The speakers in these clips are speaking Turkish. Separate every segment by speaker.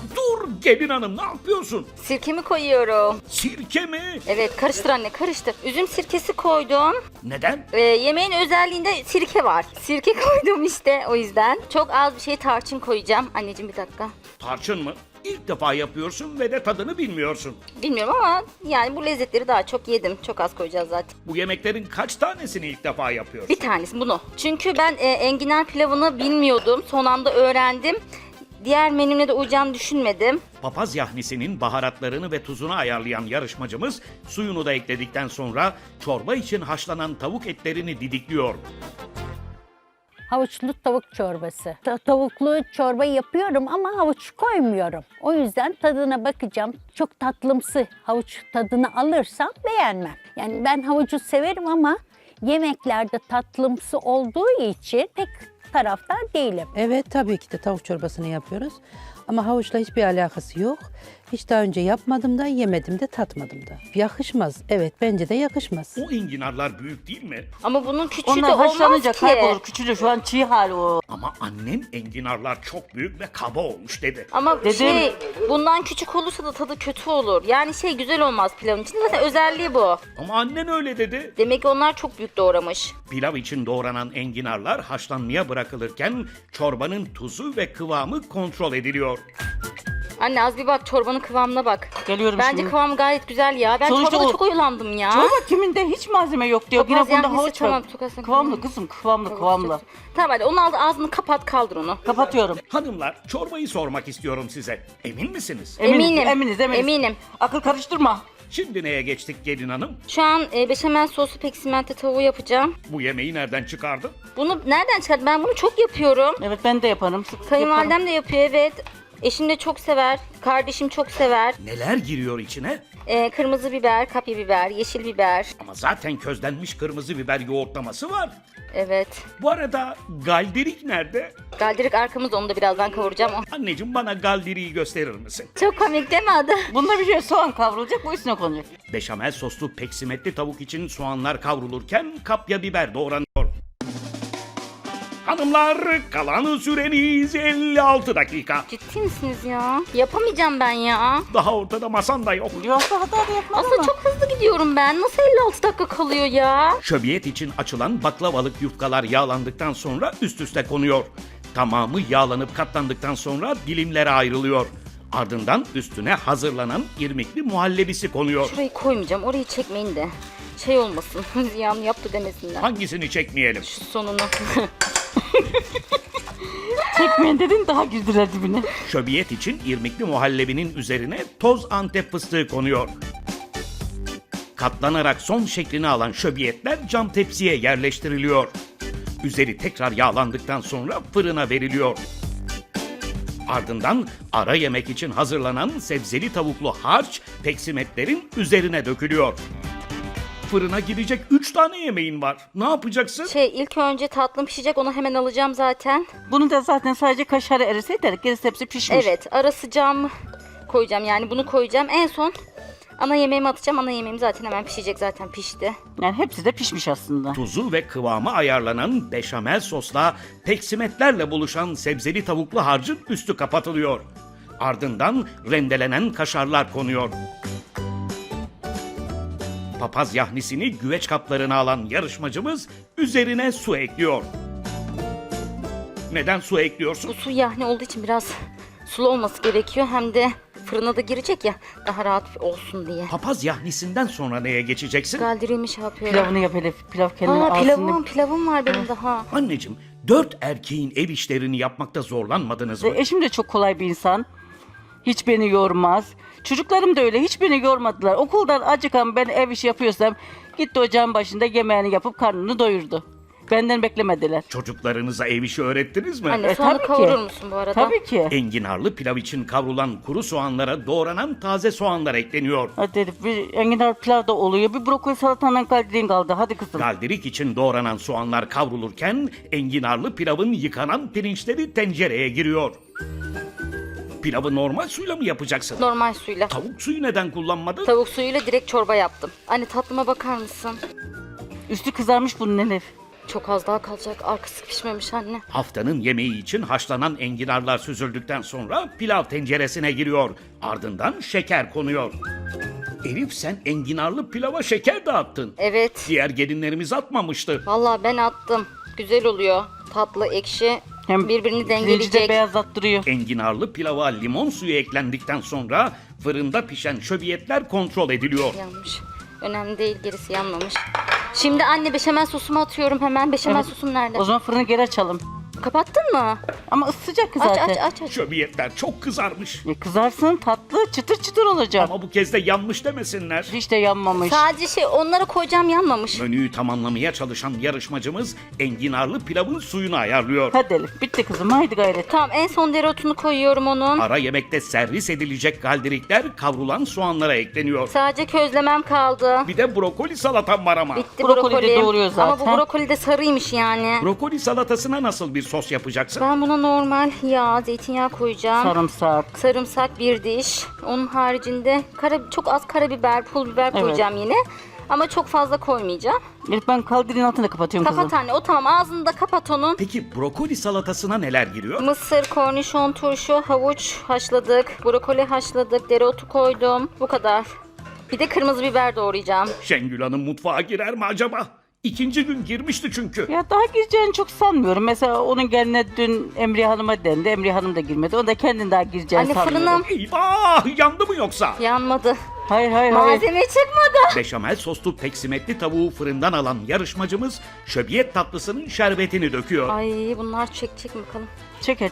Speaker 1: Dur gelin hanım, ne yapıyorsun?
Speaker 2: Sirkemi koyuyorum.
Speaker 1: Sirke mi?
Speaker 2: Evet, karıştır anne, karıştır. Üzüm sirkesi koydum.
Speaker 1: Neden?
Speaker 2: Yemeğin özelliğinde sirke var. Sirke koydum işte, o yüzden. Çok az bir şey tarçın koyacağım. Anneciğim bir dakika.
Speaker 1: Tarçın mı? İlk defa yapıyorsun ve de tadını bilmiyorsun.
Speaker 2: Bilmiyorum ama yani bu lezzetleri daha çok yedim. Çok az koyacağız zaten.
Speaker 1: Bu yemeklerin kaç tanesini ilk defa yapıyorsun?
Speaker 2: Bir tanesi bunu. Çünkü ben enginar pilavını bilmiyordum. Son anda öğrendim. Diğer menümle de uyacağını düşünmedim.
Speaker 1: Papaz yahnisinin baharatlarını ve tuzunu ayarlayan yarışmacımız suyunu da ekledikten sonra çorba için haşlanan tavuk etlerini didikliyor.
Speaker 3: Havuçlu tavuk çorbası. Tavuklu çorba yapıyorum ama havuç koymuyorum. O yüzden tadına bakacağım. Çok tatlımsı havuç tadını alırsam beğenmem. Yani ben havucu severim ama yemeklerde tatlımsı olduğu için pek taraftar değilim.
Speaker 4: Evet, tabii ki de tavuk çorbasını yapıyoruz. Ama havuçla hiçbir alakası yok. Hiç daha önce yapmadım da, yemedim de, tatmadım da. Yakışmaz. Evet, bence de yakışmaz.
Speaker 1: O enginarlar büyük değil mi?
Speaker 2: Ama bunun küçüğü de
Speaker 5: Onlar
Speaker 2: olmaz
Speaker 5: haşlanınca
Speaker 2: ki.
Speaker 5: kaybolur, küçülür. Şu an çiğ hali o.
Speaker 1: Ama annen enginarlar çok büyük ve kaba olmuş dedi.
Speaker 2: Ama
Speaker 5: Dedim.
Speaker 2: bundan küçük olursa da tadı kötü olur. Yani güzel olmaz pilavın içinde. Zaten özelliği bu.
Speaker 1: Ama annen öyle dedi.
Speaker 2: Demek ki onlar çok büyük doğramış.
Speaker 1: Pilav için doğranan enginarlar haşlanmaya bırakılırken çorbanın tuzu ve kıvamı kontrol ediliyor.
Speaker 2: Anne az bir bak, çorbanın kıvamına bak.
Speaker 5: Geliyorum
Speaker 2: Bence
Speaker 5: şimdi.
Speaker 2: kıvam gayet güzel ya. Ben
Speaker 5: Sonuçta
Speaker 2: çorbada
Speaker 5: o-
Speaker 2: çok oyalandım ya.
Speaker 5: Çorba kiminde hiç malzeme yok diyor.
Speaker 2: Papaz
Speaker 5: Yine bunda
Speaker 2: yahnisi,
Speaker 5: havuç
Speaker 2: tamam,
Speaker 5: var.
Speaker 2: çok aslında
Speaker 5: Kıvamlı
Speaker 2: kıvamlı.
Speaker 5: kızım, kıvamlı.
Speaker 2: Tamam hadi onun ağzını kapat, kaldır onu.
Speaker 5: Kapatıyorum.
Speaker 1: Hanımlar, çorbayı sormak istiyorum size. Emin misiniz?
Speaker 5: Eminiz.
Speaker 2: Eminim.
Speaker 5: Akıl karıştırma.
Speaker 1: Şimdi neye geçtik gelin hanım?
Speaker 2: Şu an beşamel soslu peksimente tavuğu yapacağım.
Speaker 1: Bu yemeği nereden çıkardın?
Speaker 2: Bunu nereden çıkardın? Ben bunu çok yapıyorum.
Speaker 5: Evet, ben de yaparım. Sık sık
Speaker 2: Kayınvalidem de yapıyor, evet. Eşim de çok sever. Kardeşim çok sever.
Speaker 1: Neler giriyor içine?
Speaker 2: Kırmızı biber, kapya biber, yeşil biber.
Speaker 1: Ama zaten közlenmiş kırmızı biber yoğurtlaması var.
Speaker 2: Evet.
Speaker 1: Bu arada galdirik nerede?
Speaker 2: Galdirik arkamızda, onu da birazdan kavuracağım.
Speaker 1: Anneciğim, bana galdiriği gösterir misin?
Speaker 2: Çok komik değil mi adı?
Speaker 5: Bunda bir şey soğan kavrulacak, bu üstüne konacak.
Speaker 1: Beşamel soslu peksimetli tavuk için soğanlar kavrulurken kapya biber doğranıyor. Hanımlar, kalan süreniz 56 dakika.
Speaker 2: Ciddi misiniz ya? Yapamayacağım ben ya.
Speaker 1: Daha ortada masan da yok.
Speaker 5: Yoksa hata da yapmaz
Speaker 2: Aslında
Speaker 5: ama.
Speaker 2: çok hızlı gidiyorum ben. Nasıl 56 dakika kalıyor ya?
Speaker 1: Şöbiyet için açılan baklavalık yufkalar yağlandıktan sonra üst üste konuyor. Tamamı yağlanıp katlandıktan sonra dilimlere ayrılıyor. Ardından üstüne hazırlanan irmikli muhallebisi konuyor.
Speaker 2: Şurayı koymayacağım. Orayı çekmeyin de. Olmasın. Ziyan yaptı demesinler.
Speaker 1: Hangisini çekmeyelim?
Speaker 2: Şu sonunu.
Speaker 5: Çekmeyin dedin, daha girdiler dibine.
Speaker 1: Şöbiyet için irmikli muhallebinin üzerine toz Antep fıstığı konuyor. Katlanarak son şeklini alan şöbiyetler cam tepsiye yerleştiriliyor. Üzeri tekrar yağlandıktan sonra fırına veriliyor. Ardından ara yemek için hazırlanan sebzeli tavuklu harç peksimetlerin üzerine dökülüyor. Fırına girecek 3 tane yemeğin var. Ne yapacaksın?
Speaker 2: İlk önce tatlım pişecek. Onu hemen alacağım zaten.
Speaker 5: Bunu da zaten sadece kaşarı erise yeter. Gerisi hepsi pişmiş.
Speaker 2: Evet. Ara sıcağımı koyacağım. Yani bunu koyacağım. En son ana yemeğimi atacağım. Ana yemeğim zaten hemen pişecek. Zaten pişti.
Speaker 5: Yani hepsi de pişmiş aslında.
Speaker 1: Tuzu ve kıvamı ayarlanan beşamel sosla peksimetlerle buluşan sebzeli tavuklu harcın üstü kapatılıyor. Ardından rendelenen kaşarlar konuyor. Papaz yahnisini güveç kaplarına alan yarışmacımız üzerine su ekliyor. Neden su ekliyorsun?
Speaker 2: Bu su yahni olduğu için biraz sulu olması gerekiyor. Hem de fırına da girecek ya, daha rahat olsun diye.
Speaker 1: Papaz yahnisinden sonra neye geçeceksin?
Speaker 2: Galdirimi yapıyorum.
Speaker 5: Pilavını yap hele. Pilav kendine alsın.
Speaker 2: Pilavım var benim daha.
Speaker 1: Anneciğim, 4 erkeğin ev işlerini yapmakta zorlanmadınız mı?
Speaker 5: Eşim de çok kolay bir insan. Hiç beni yormaz. Çocuklarım da öyle. Hiç beni yormadılar. Okuldan acıkan ben ev işi yapıyorsam gitti ocağın başında yemeğini yapıp karnını doyurdu. Benden beklemediler.
Speaker 1: Çocuklarınıza ev işi öğrettiniz mi?
Speaker 2: Anne soğanı
Speaker 5: tabii ki.
Speaker 2: kavurur musun bu arada?
Speaker 5: Tabii ki.
Speaker 1: Enginarlı pilav için kavrulan kuru soğanlara doğranan taze soğanlar ekleniyor.
Speaker 5: Hadi dedik, bir enginar pilav da oluyor. Bir brokoli salatandan kaldirin kaldı. Hadi kızım.
Speaker 1: Galdirik için doğranan soğanlar kavrulurken enginarlı pilavın yıkanan pirinçleri tencereye giriyor. Pilavı normal suyla mı yapacaksın?
Speaker 2: Normal suyla.
Speaker 1: Tavuk suyu neden kullanmadın?
Speaker 2: Tavuk suyuyla direkt çorba yaptım. Anne tatlıma bakar mısın?
Speaker 5: Üstü kızarmış bunun Elif.
Speaker 2: Çok az daha kalacak. Arkası pişmemiş anne.
Speaker 1: Haftanın yemeği için haşlanan enginarlar süzüldükten sonra pilav tenceresine giriyor. Ardından şeker konuyor. Elif, sen enginarlı pilava şeker dağıttın.
Speaker 2: Evet.
Speaker 1: Diğer gelinlerimiz atmamıştı.
Speaker 2: Vallahi ben attım. Güzel oluyor. Tatlı, ekşi.
Speaker 5: Hem
Speaker 2: Birbirini
Speaker 5: pirinci de
Speaker 2: dengeleyecek.
Speaker 5: beyazlattırıyor.
Speaker 1: Enginarlı pilava limon suyu eklendikten sonra fırında pişen şöbiyetler kontrol ediliyor.
Speaker 2: Yanmış. Önemli değil, gerisi yanmamış. Şimdi anne beşamel sosumu atıyorum hemen. Beşamel
Speaker 5: Evet.
Speaker 2: sosum nerede?
Speaker 5: O zaman fırını geri açalım.
Speaker 2: Kapattın mı?
Speaker 5: Ama ısıtacak
Speaker 2: Aç
Speaker 5: zaten.
Speaker 2: aç aç aç.
Speaker 1: Şöbiyetler çok kızarmış.
Speaker 5: Kızarsın, tatlı çıtır çıtır olacak.
Speaker 1: Ama bu kez de yanmış demesinler.
Speaker 5: Hiç de yanmamış.
Speaker 2: Sadece onlara koyacağım, yanmamış.
Speaker 1: Menüyü tamamlamaya çalışan yarışmacımız enginarlı pilavın suyunu ayarlıyor.
Speaker 5: Hadi Elif, bitti kızım, haydi gayret.
Speaker 2: Tamam, en son dereotunu koyuyorum onun.
Speaker 1: Ara yemekte servis edilecek galdirikler kavrulan soğanlara ekleniyor.
Speaker 2: Sadece közlemem kaldı.
Speaker 1: Bir de brokoli salatam var ama.
Speaker 2: Bitti
Speaker 5: Brokoli de
Speaker 2: brokoli.
Speaker 5: doğruyor
Speaker 2: Ama bu
Speaker 5: zaten.
Speaker 2: brokoli de sarıymış yani.
Speaker 1: Brokoli salatasına nasıl bir sos yapacaksın?
Speaker 2: Ben buna normal yağ, zeytinyağı koyacağım.
Speaker 5: Sarımsak.
Speaker 2: Sarımsak bir diş. Onun haricinde çok az karabiber, pul biber
Speaker 5: Evet.
Speaker 2: koyacağım yine. Ama çok fazla koymayacağım.
Speaker 5: Elif, ben kaldirin altını kapatıyorum
Speaker 2: Kapat
Speaker 5: kızım.
Speaker 2: anne, o tamam, ağzını da kapat onun.
Speaker 1: Peki brokoli salatasına neler giriyor?
Speaker 2: Mısır, kornişon, turşu, havuç haşladık. Brokoli haşladık. Dereotu koydum. Bu kadar. Bir de kırmızı biber doğrayacağım.
Speaker 1: Şengül Hanım mutfağa girer mi acaba? İkinci gün girmişti çünkü.
Speaker 5: Ya daha gireceğini çok sanmıyorum. Mesela onun geline dün Emriye Hanım'a dendi. Emriye Hanım da girmedi. O da kendin daha gireceğini
Speaker 2: Anne,
Speaker 5: sanmıyorum.
Speaker 2: fırınım
Speaker 1: Eyvah! Yandı mı yoksa?
Speaker 2: yanmadı.
Speaker 5: Hayır.
Speaker 2: Malzeme çıkmadı.
Speaker 1: Beşamel soslu peksimetli tavuğu fırından alan yarışmacımız şöbiyet tatlısının şerbetini döküyor.
Speaker 2: Ay, bunlar çekecek mi bakalım.
Speaker 5: Çeker.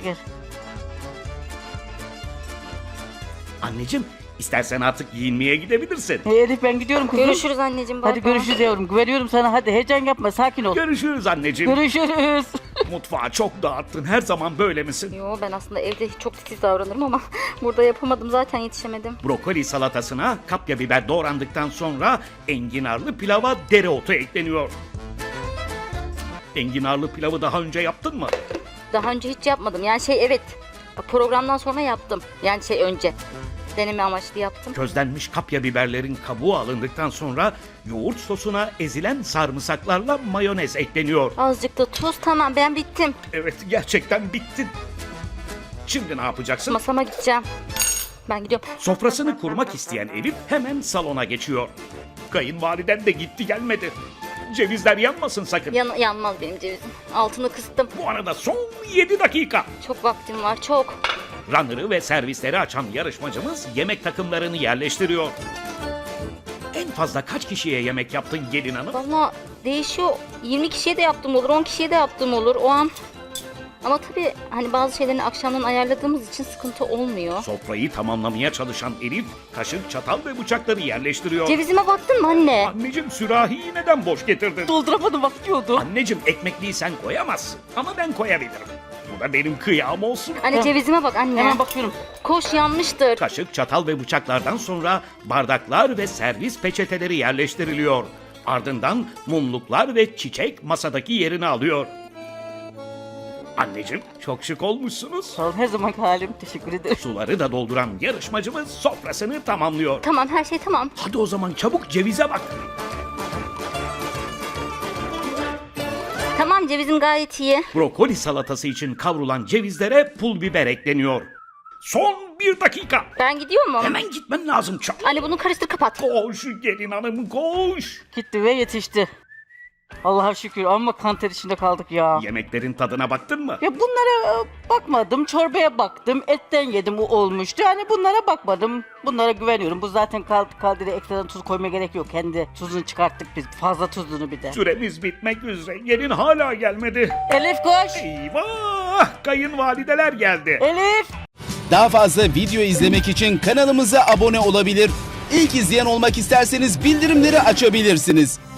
Speaker 1: Anneciğim, istersen artık giyinmeye gidebilirsin.
Speaker 5: Elif, ben gidiyorum kızım.
Speaker 2: Görüşürüz anneciğim. bay
Speaker 5: Hadi
Speaker 2: bay.
Speaker 5: görüşürüz yavrum. Güveniyorum sana. Hadi heyecan yapma. Sakin ol.
Speaker 1: Görüşürüz anneciğim.
Speaker 5: Görüşürüz.
Speaker 1: Mutfağı çok dağıttın. Her zaman böyle misin?
Speaker 2: Yo, ben aslında evde çok titiz davranırım ama burada yapamadım, zaten yetişemedim.
Speaker 1: Brokoli salatasına kapya biber doğrandıktan sonra enginarlı pilava dereotu ekleniyor. Enginarlı pilavı daha önce yaptın mı?
Speaker 2: Daha önce hiç yapmadım. Yani evet. Bak, programdan sonra yaptım. Yani önce. Deneme amaçlı yaptım.
Speaker 1: Közlenmiş kapya biberlerin kabuğu alındıktan sonra yoğurt sosuna ezilen sarımsaklarla mayonez ekleniyor.
Speaker 2: Azıcık da tuz, tamam, ben bittim.
Speaker 1: Evet, gerçekten bittin. Şimdi ne yapacaksın?
Speaker 2: Masama gideceğim. Ben gidiyorum.
Speaker 1: Sofrasını kurmak isteyen Elif hemen salona geçiyor. Kayınvaliden de gitti gelmedi. Cevizler yanmasın sakın.
Speaker 2: Yanmaz benim cevizim. Altını kıstım.
Speaker 1: Bu arada son 7 dakika.
Speaker 2: Çok vaktim var, çok.
Speaker 1: Runner'ı ve servisleri açan yarışmacımız yemek takımlarını yerleştiriyor. En fazla kaç kişiye yemek yaptın gelin hanım?
Speaker 2: Vallahi değişiyor. 20 kişiye de yaptım olur, 10 kişiye de yaptım olur o an. Ama tabii hani bazı şeylerini akşamdan ayarladığımız için sıkıntı olmuyor.
Speaker 1: Sofrayı tamamlamaya çalışan Elif, kaşık, çatal ve bıçakları yerleştiriyor.
Speaker 2: Cevizime baktın mı anne?
Speaker 1: Anneciğim, sürahiyi neden boş getirdin?
Speaker 5: Dolduramadım, bakıyordu.
Speaker 1: Anneciğim, ekmekliği sen koyamazsın ama ben koyabilirim. Bu da benim kıyağım olsun.
Speaker 2: Anne, cevizime bak anne.
Speaker 5: Hemen bakıyorum.
Speaker 2: Koş, yanmıştır.
Speaker 1: Kaşık, çatal ve bıçaklardan sonra bardaklar ve servis peçeteleri yerleştiriliyor. Ardından mumluklar ve çiçek masadaki yerini alıyor. Anneciğim, çok şık olmuşsunuz.
Speaker 5: Sağ ol, her zamanki halim. Teşekkür ederim.
Speaker 1: Suları da dolduran yarışmacımız sofrasını tamamlıyor.
Speaker 2: Tamam, her şey tamam.
Speaker 1: Hadi o zaman çabuk cevize bak.
Speaker 2: Tamam, cevizim gayet iyi.
Speaker 1: Brokoli salatası için kavrulan cevizlere pul biber ekleniyor. Son 1 dakika.
Speaker 2: Ben gidiyor mu?
Speaker 1: Hemen gitmen lazım çabuk.
Speaker 2: Anne, bunu karıştır, kapat.
Speaker 1: Koş gelin hanım, koş.
Speaker 5: Gitti ve yetişti. Allah'a şükür, ama kanter içinde kaldık ya.
Speaker 1: Yemeklerin tadına baktın mı?
Speaker 5: Ya bunlara bakmadım, çorbaya baktım, etten yedim, o olmuştu. Yani bunlara bakmadım, bunlara güveniyorum. Bu zaten kaldire ekstradan tuz koymaya gerek yok. Kendi tuzunu çıkarttık biz, fazla tuzunu bir de.
Speaker 1: Süremiz bitmek üzere. Gelin hala gelmedi.
Speaker 5: Elif koş!
Speaker 1: Eyvah! Kayınvalideler geldi.
Speaker 5: Elif!
Speaker 6: Daha fazla video izlemek için kanalımıza abone olabilir. İlk izleyen olmak isterseniz bildirimleri açabilirsiniz.